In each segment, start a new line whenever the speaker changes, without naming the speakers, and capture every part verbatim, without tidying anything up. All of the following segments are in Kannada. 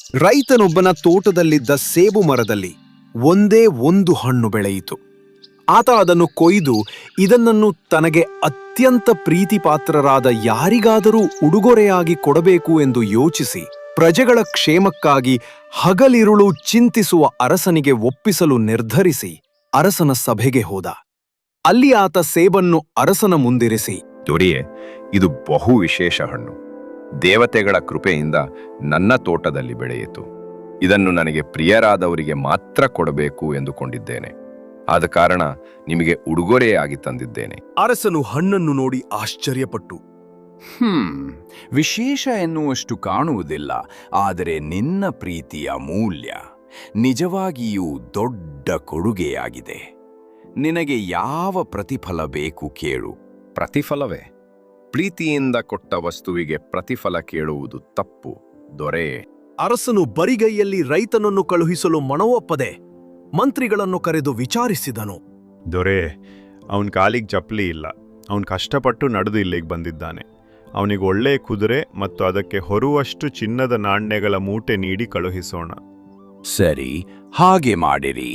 ರೈತನೊಬ್ಬನ ತೋಟದಲ್ಲಿದ್ದ ಸೇಬು ಮರದಲ್ಲಿ ಒಂದೇ ಒಂದು ಹಣ್ಣು ಬೆಳೆಯಿತು. ಆತ ಅದನ್ನು ಕೊಯ್ದು ಇದನ್ನು ತನಗೆ ಅತ್ಯಂತ ಪ್ರೀತಿಪಾತ್ರರಾದ ಯಾರಿಗಾದರೂ ಉಡುಗೊರೆಯಾಗಿ ಕೊಡಬೇಕು ಎಂದು ಯೋಚಿಸಿ ಪ್ರಜೆಗಳ ಕ್ಷೇಮಕ್ಕಾಗಿ ಹಗಲಿರುಳು ಚಿಂತಿಸುವ ಅರಸನಿಗೆ ಒಪ್ಪಿಸಲು ನಿರ್ಧರಿಸಿ ಅರಸನ ಸಭೆಗೆ ಹೋದ. ಅಲ್ಲಿ ಆತ ಸೇಬನ್ನು ಅರಸನ ಮುಂದಿರಿಸಿ,
ದೊರೆಯೇ, ಇದು ಬಹು ವಿಶೇಷ ಹಣ್ಣು. ದೇವತೆಗಳ ಕೃಪೆಯಿಂದ ನನ್ನ ತೋಟದಲ್ಲಿ ಬೆಳೆಯಿತು. ಇದನ್ನು ನನಗೆ ಪ್ರಿಯರಾದವರಿಗೆ ಮಾತ್ರ ಕೊಡಬೇಕು ಎಂದುಕೊಂಡಿದ್ದೇನೆ. ಆದ ಕಾರಣ ನಿಮಗೆ ಉಡುಗೊರೆಯಾಗಿ ತಂದಿದ್ದೇನೆ.
ಅರಸನು ಹಣ್ಣನ್ನು ನೋಡಿ ಆಶ್ಚರ್ಯಪಟ್ಟು,
ಹ್ಮ್ ವಿಶೇಷ ಎನ್ನುವಷ್ಟು ಕಾಣುವುದಿಲ್ಲ, ಆದರೆ ನಿನ್ನ ಪ್ರೀತಿಯ ಮೂಲ್ಯ ನಿಜವಾಗಿಯೂ ದೊಡ್ಡ ಕೊಡುಗೆಯಾಗಿದೆ. ನಿನಗೆ ಯಾವ ಪ್ರತಿಫಲ ಬೇಕು ಕೇಳು.
ಪ್ರತಿಫಲವೇ? ಪ್ರೀತಿಯಿಂದ ಕೊಟ್ಟ ವಸ್ತುವಿಗೆ ಪ್ರತಿಫಲ ಕೇಳುವುದು ತಪ್ಪು, ದೊರೆಯೇ.
ಅರಸನು ಬರಿಗೈಯಲ್ಲಿ ರೈತನನ್ನು ಕಳುಹಿಸಲು ಮನವೊಪ್ಪದೆ ಮಂತ್ರಿಗಳನ್ನು ಕರೆದು ವಿಚಾರಿಸಿದನು.
ದೊರೆ, ಅವನ ಕಾಲಿಗೆ ಚಪ್ಪಲಿ ಇಲ್ಲ. ಅವನು ಕಷ್ಟಪಟ್ಟು ನಡೆದು ಇಲ್ಲಿಗೆ ಬಂದಿದ್ದಾನೆ. ಅವನಿಗೆ ಒಳ್ಳೆಯ ಕುದುರೆ ಮತ್ತು ಅದಕ್ಕೆ ಹೊರುವಷ್ಟು ಚಿನ್ನದ ನಾಣ್ಯಗಳ ಮೂಟೆ ನೀಡಿ ಕಳುಹಿಸೋಣ.
ಸರಿ, ಹಾಗೆ ಮಾಡಿರಿ.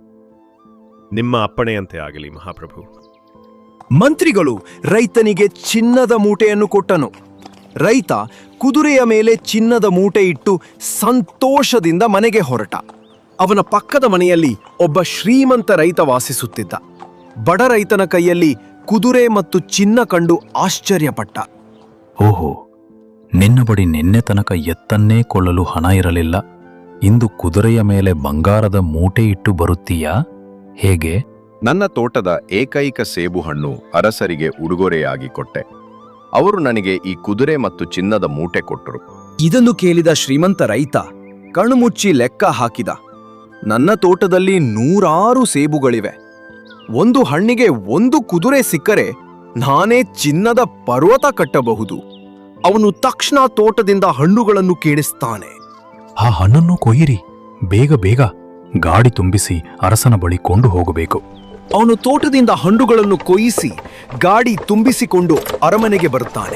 ನಿಮ್ಮ ಅಪ್ಪಣೆಯಂತೆ ಆಗಲಿ ಮಹಾಪ್ರಭು.
ಮಂತ್ರಿಗಳು ರೈತನಿಗೆ ಚಿನ್ನದ ಮೂಟೆಯನ್ನು ಕೊಟ್ಟನು. ರೈತ ಕುದುರೆಯ ಮೇಲೆ ಚಿನ್ನದ ಮೂಟೆ ಇಟ್ಟು ಸಂತೋಷದಿಂದ ಮನೆಗೆ ಹೊರಟ. ಅವನ ಪಕ್ಕದ ಮನೆಯಲ್ಲಿ ಒಬ್ಬ ಶ್ರೀಮಂತ ರೈತ ವಾಸಿಸುತ್ತಿದ್ದ. ಬಡ ರೈತನ ಕೈಯಲ್ಲಿ ಕುದುರೆ ಮತ್ತು ಚಿನ್ನ ಕಂಡು ಆಶ್ಚರ್ಯಪಟ್ಟ.
ಓಹೋ, ನಿನ್ನ ಬಳಿ ನಿನ್ನೆ ತನಕ ಎತ್ತನ್ನೇ ಕೊಳ್ಳಲು ಹಣ ಇರಲಿಲ್ಲ. ಇಂದು ಕುದುರೆಯ ಮೇಲೆ ಬಂಗಾರದ ಮೂಟೆ ಇಟ್ಟು ಬರುತ್ತೀಯಾ? ಹೇಗೆ?
ನನ್ನ ತೋಟದ ಏಕೈಕ ಸೇಬು ಹಣ್ಣು ಅರಸರಿಗೆ ಉಡುಗೊರೆಯಾಗಿ ಕೊಟ್ಟೆ. ಅವರು ನನಗೆ ಈ ಕುದುರೆ ಮತ್ತು ಚಿನ್ನದ ಮೂಟೆ ಕೊಟ್ಟರು.
ಇದನ್ನು ಕೇಳಿದ ಶ್ರೀಮಂತ ರೈತ ಕಣ್ಣುಮುಚ್ಚಿ ಲೆಕ್ಕ ಹಾಕಿದ. ನನ್ನ ತೋಟದಲ್ಲಿ ನೂರಾರು ಸೇಬುಗಳಿವೆ. ಒಂದು ಹಣ್ಣಿಗೆ ಒಂದು ಕುದುರೆ ಸಿಕ್ಕರೆ ನಾನೇ ಚಿನ್ನದ ಪರ್ವತ ಕಟ್ಟಬಹುದು. ಅವನು ತಕ್ಷಣ ತೋಟದಿಂದ ಹಣ್ಣುಗಳನ್ನು ಕೇಳಿಸ್ತಾನೆ.
ಆ ಹಣ್ಣನ್ನು ಕೊಯ್ಯಿರಿ, ಬೇಗ ಬೇಗ. ಗಾಡಿ ತುಂಬಿಸಿ ಅರಸನ ಬಳಿ ಕೊಂಡು ಹೋಗಬೇಕು.
ಅವನು ತೋಟದಿಂದ ಹಣ್ಣುಗಳನ್ನು ಕೊಯ್ಯಿಸಿ ಗಾಡಿ ತುಂಬಿಸಿಕೊಂಡು ಅರಮನೆಗೆ ಬರುತ್ತಾನೆ.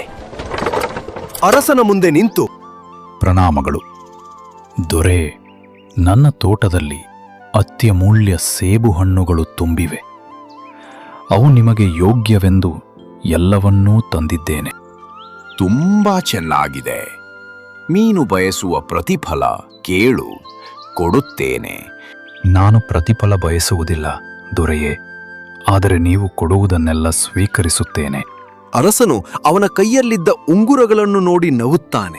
ಅರಸನ ಮುಂದೆ ನಿಂತು,
ಪ್ರಣಾಮಗಳು ದೊರೆ. ನನ್ನ ತೋಟದಲ್ಲಿ ಅತ್ಯಮೂಲ್ಯ ಸೇಬು ಹಣ್ಣುಗಳು ತುಂಬಿವೆ. ಅವು ನಿಮಗೆ ಯೋಗ್ಯವೆಂದು ಎಲ್ಲವನ್ನೂ ತಂದಿದ್ದೇನೆ.
ತುಂಬಾ ಚೆನ್ನಾಗಿದೆ. ಮೀನು ಬಯಸುವ ಪ್ರತಿಫಲ ಕೇಳು, ಕೊಡುತ್ತೇನೆ.
ನಾನು ಪ್ರತಿಫಲ ಬಯಸುವುದಿಲ್ಲ ದೊರೆಯೇ, ಆದರೆ ನೀವು ಕೊಡುವುದನ್ನೆಲ್ಲ ಸ್ವೀಕರಿಸುತ್ತೇನೆ.
ಅರಸನು ಅವನ ಕೈಯಲ್ಲಿದ್ದ ಉಂಗುರಗಳನ್ನು ನೋಡಿ ನಗುತ್ತಾನೆ.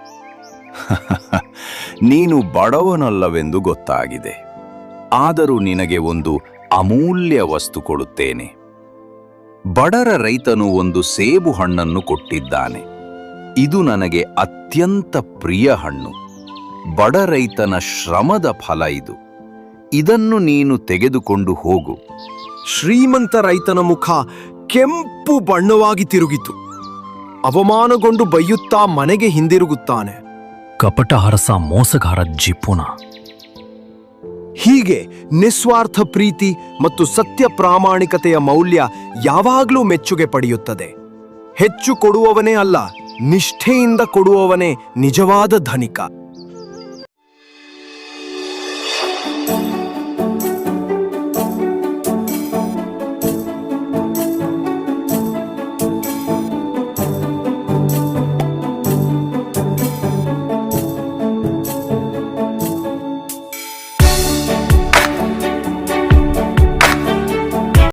ನೀನು ಬಡವನಲ್ಲವೆಂದು ಗೊತ್ತಾಗಿದೆ. ಆದರೂ ನಿನಗೆ ಒಂದು ಅಮೂಲ್ಯ ವಸ್ತು ಕೊಡುತ್ತೇನೆ. ಬಡರ ರೈತನು ಒಂದು ಸೇಬು ಹಣ್ಣನ್ನು ಕೊಟ್ಟಿದ್ದಾನೆ. ಇದು ನನಗೆ ಅತ್ಯಂತ ಪ್ರಿಯ ಹಣ್ಣು. ಬಡ ರೈತನ ಶ್ರಮದ ಫಲ ಇದು. ಇದನ್ನು ನೀನು ತೆಗೆದುಕೊಂಡು ಹೋಗು.
ಶ್ರೀಮಂತ ರೈತನ ಮುಖ ಕೆಂಪು ಬಣ್ಣವಾಗಿ ತಿರುಗಿತು. ಅವಮಾನಗೊಂಡು ಬೈಯುತ್ತಾ ಮನೆಗೆ ಹಿಂದಿರುಗುತ್ತಾನೆ.
ಕಪಟ ಅರಸ, ಮೋಸಗಾರ ಜಿಪುಣ.
ಹೀಗೆ ನಿಸ್ವಾರ್ಥ ಪ್ರೀತಿ ಮತ್ತು ಸತ್ಯ ಪ್ರಾಮಾಣಿಕತೆಯ ಮೌಲ್ಯ ಯಾವಾಗಲೂ ಮೆಚ್ಚುಗೆ ಪಡೆಯುತ್ತದೆ. ಹೆಚ್ಚು ಕೊಡುವವನೇ ಅಲ್ಲ, ನಿಷ್ಠೆಯಿಂದ ಕೊಡುವವನೇ ನಿಜವಾದ ಧನಿಕ.